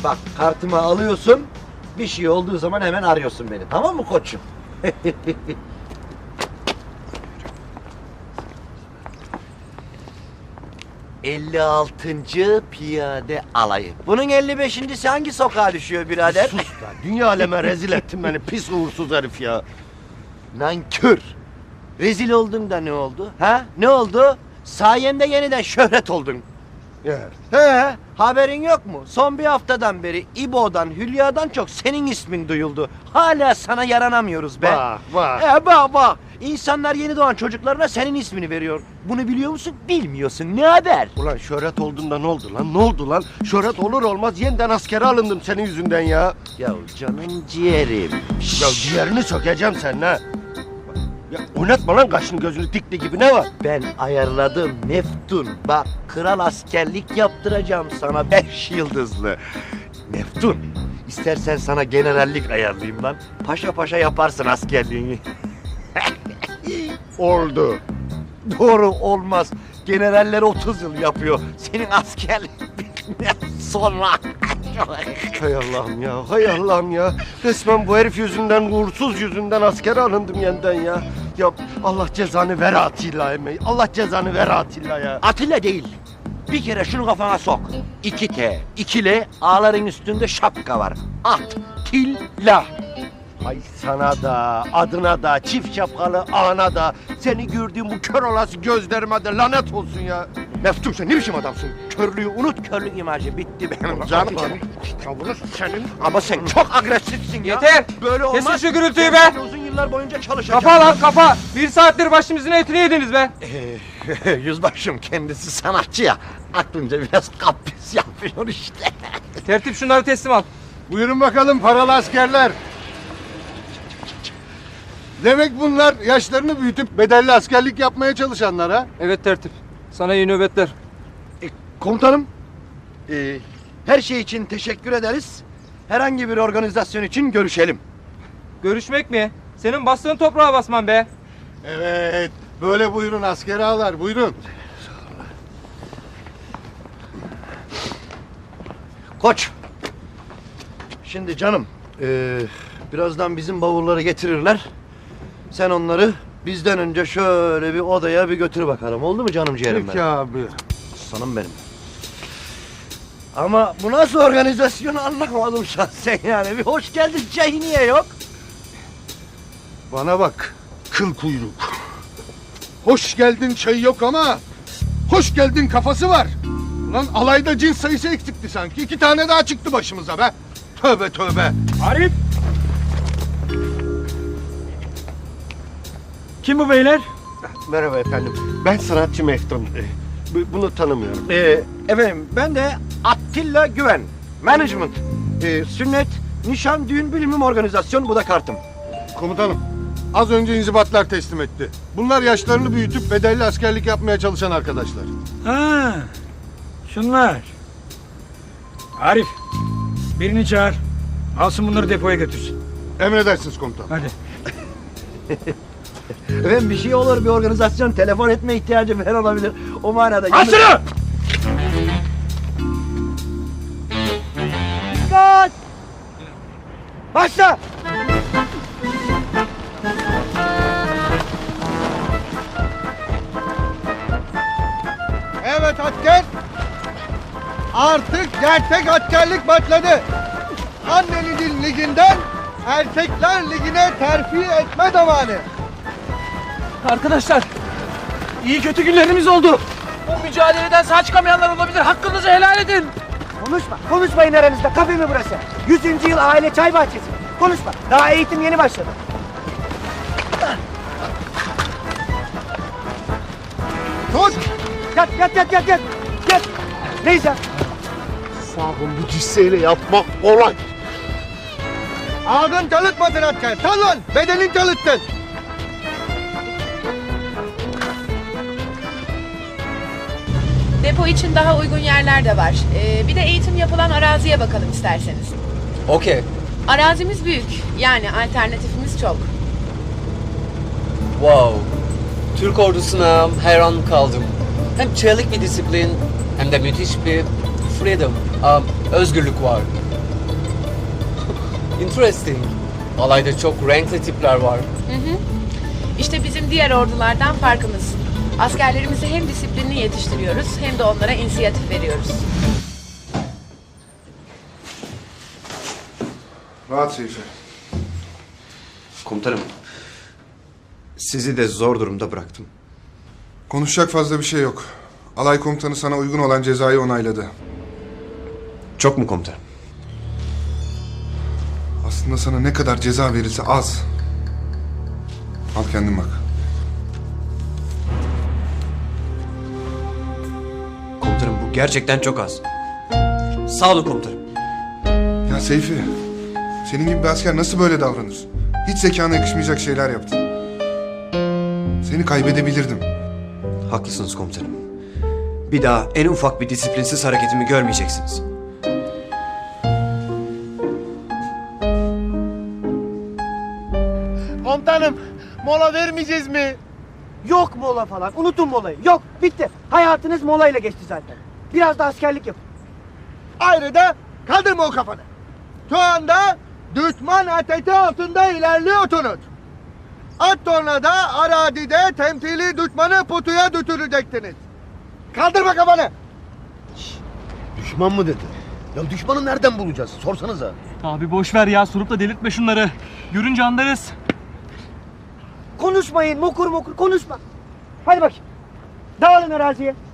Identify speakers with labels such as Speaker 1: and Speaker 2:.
Speaker 1: Bak kartımı alıyorsun. Bir şey olduğu zaman hemen arıyorsun beni. Tamam mı koçum? 56. Piyade Alayı. Bunun 55.'si hangi sokağa düşüyor birader?
Speaker 2: Sus ya. Dünya aleme rezil ettin beni. Pis uğursuz herif ya.
Speaker 1: Nankör. Rezil oldun da ne oldu? Ha? Ne oldu? Sayemde yeniden şöhret oldun.
Speaker 2: Ya.
Speaker 1: He, haberin yok mu? Son bir haftadan beri İbo'dan, Hülya'dan çok senin ismin duyuldu. Hala sana yaranamıyoruz be.
Speaker 2: Bak.
Speaker 1: Bak. İnsanlar yeni doğan çocuklarına senin ismini veriyor. Bunu biliyor musun? Bilmiyorsun. Ne haber?
Speaker 2: Ulan şöhret olduğunda ne oldu lan? Ne oldu lan? Şöhret olur olmaz yeniden askere alındım senin yüzünden ya.
Speaker 1: Ya canım ciğerim.
Speaker 2: Ya ciğerini sökeceğim senin ha. Ya oynatma lan kaşını gözünü dikti gibi ne var?
Speaker 1: Ben ayarladım Neftun. Bak kral askerlik yaptıracağım sana 5 yıldızlı. Neftun, istersen sana generallik ayarlayayım lan. Paşa paşa yaparsın askerliğini.
Speaker 2: Oldu.
Speaker 1: Doğru olmaz. Generaller 30 yıl yapıyor. Senin askerlik sonra.
Speaker 2: Hay Allah'ım ya, hay Allah'ım ya. Resmen bu herif yüzünden, uğursuz yüzünden askere alındım yeniden ya. Ya Allah cezanı ver Atilla emeği. Allah cezanı ver Atilla ya.
Speaker 1: Atilla değil. Bir kere şunu kafana sok. 2T, 2L, A'ların üstünde şapka var. Atilla.
Speaker 2: Ay sana da, adına da, çift şapkalı ana da, seni gördüğüm bu kör olası gözlerime de lanet olsun ya. Meftun sen ne biçim adamsın?
Speaker 1: Körlüğü unut, körlük imajı bitti benim canım.
Speaker 2: Tavrı senin.
Speaker 1: Ama sen çok agresifsin ya.
Speaker 3: Yeter!
Speaker 1: Böyle olmaz.
Speaker 3: Kesin şu gürültüyü be!
Speaker 1: Ben uzun yıllar boyunca çalışacağım.
Speaker 3: Kafa lan kafa! 1 saattir başımızın etini yediniz be!
Speaker 1: Yüzbaşım kendisi sanatçı ya. Aklınca biraz kapris yapıyor işte.
Speaker 3: Tertip şunları teslim al.
Speaker 4: Buyurun bakalım paralı askerler. Demek bunlar yaşlarını büyütüp bedelli askerlik yapmaya çalışanlar ha?
Speaker 3: Evet tertip. Sana iyi nöbetler.
Speaker 1: Komutanım, her şey için teşekkür ederiz. Herhangi bir organizasyon için görüşelim.
Speaker 3: Görüşmek mi? Senin bastığın toprağa basman be.
Speaker 4: Evet. Böyle buyurun asker ağalar buyurun.
Speaker 1: Koç, şimdi canım, birazdan bizim bavulları getirirler. Sen onları bizden önce şöyle bir odaya bir götür bakalım. Oldu mu canım ciğerim
Speaker 4: Peki
Speaker 1: benim?
Speaker 4: abi.
Speaker 1: Aslanım benim. Ama bu nasıl organizasyonu anlamadım şahsen yani. Bir hoş geldin çayı niye yok?
Speaker 4: Bana bak kıl kuyruk. Hoş geldin çayı yok ama hoş geldin kafası var. Ulan alayda cins sayısı eksikti sanki. 2 tane daha çıktı başımıza be. Tövbe tövbe.
Speaker 5: Arif! Kim bu beyler?
Speaker 2: Merhaba efendim. Ben sanatçı Meftun. Bunu tanımıyorum.
Speaker 1: Efendim ben de Attila Güven. Management. Sünnet, nişan, düğün, bilimim organizasyon. Bu da kartım.
Speaker 4: Komutanım az önce inzibatlar teslim etti. Bunlar yaşlarını büyütüp bedelli askerlik yapmaya çalışan arkadaşlar.
Speaker 5: Ha, şunlar. Arif, birini çağır. Alsın bunları depoya götürsün.
Speaker 4: Emredersiniz komutanım.
Speaker 5: Hadi.
Speaker 1: Efendim bir şey olur, bir organizasyon, telefon etme ihtiyacı falan olabilir. O manada...
Speaker 5: Al şunu!
Speaker 1: Dikkat! Başla!
Speaker 4: Evet asker. Artık gerçek askerlik başladı. Annenizin liginden erkekler ligine terfi etme zamanı.
Speaker 3: Arkadaşlar, iyi kötü günlerimiz oldu. Bu mücadeleden sağ çıkamayanlar olabilir. Hakkınızı helal edin.
Speaker 6: Konuşmayın aranızda. Kafe mi burası? 100. yıl aile çay bahçesi. Konuşma. Daha eğitim yeni başladı.
Speaker 4: Tut.
Speaker 6: Yat. Neyse.
Speaker 2: Sakın bu cisseyle yapmak kolay.
Speaker 4: Ağzın çalışmadın asker. Sal lan. Bedenin çalışsın.
Speaker 7: Depo için daha uygun yerler de var. Bir de eğitim yapılan araziye bakalım isterseniz.
Speaker 3: Okey.
Speaker 7: Arazimiz büyük. Yani alternatifimiz çok.
Speaker 8: Wow. Türk ordusuna hayran kaldım. Hem çelik bir disiplin hem de müthiş bir freedom, özgürlük var. Interesting. Alayda çok renkli tipler var.
Speaker 7: İşte bizim diğer ordulardan farkımız. Askerlerimizi hem disiplinli yetiştiriyoruz hem de onlara inisiyatif veriyoruz.
Speaker 4: Rahat Seyfi.
Speaker 9: Komutanım, sizi de zor durumda bıraktım.
Speaker 4: Konuşacak fazla bir şey yok. Alay komutanı sana uygun olan cezayı onayladı.
Speaker 9: Çok mu komutanım?
Speaker 4: Aslında sana ne kadar ceza verirse az. Al kendin bak.
Speaker 9: Komutanım bu gerçekten çok az. Sağ olun komutanım.
Speaker 4: Ya Seyfi, senin gibi bir asker nasıl böyle davranır? Hiç zekana yakışmayacak şeyler yaptın. Seni kaybedebilirdim.
Speaker 9: Haklısınız komutanım. Bir daha en ufak bir disiplinsiz hareketimi görmeyeceksiniz.
Speaker 2: Komutanım, mola vermeyeceğiz mi?
Speaker 6: Yok mola falan. Unutun molayı. Yok bitti. Hayatınız molayla geçti zaten. Biraz da askerlik yapın.
Speaker 2: Ayrıca kaldırma o kafanı. Şu anda düşman ateşi altında ilerliyorsunuz. Az sonra da arazide temsili düşmanı pusuya düşüreceksiniz. Kaldırma kafanı.
Speaker 1: Düşman mı dedi? Ya düşmanı nereden bulacağız? Sorsanıza.
Speaker 3: Abi boş ver ya, sorup da delirtme şunları. Görünce anlarız.
Speaker 6: Konuşmayın mokur mokur konuşma. Hadi bakayım. Dağılın araziye.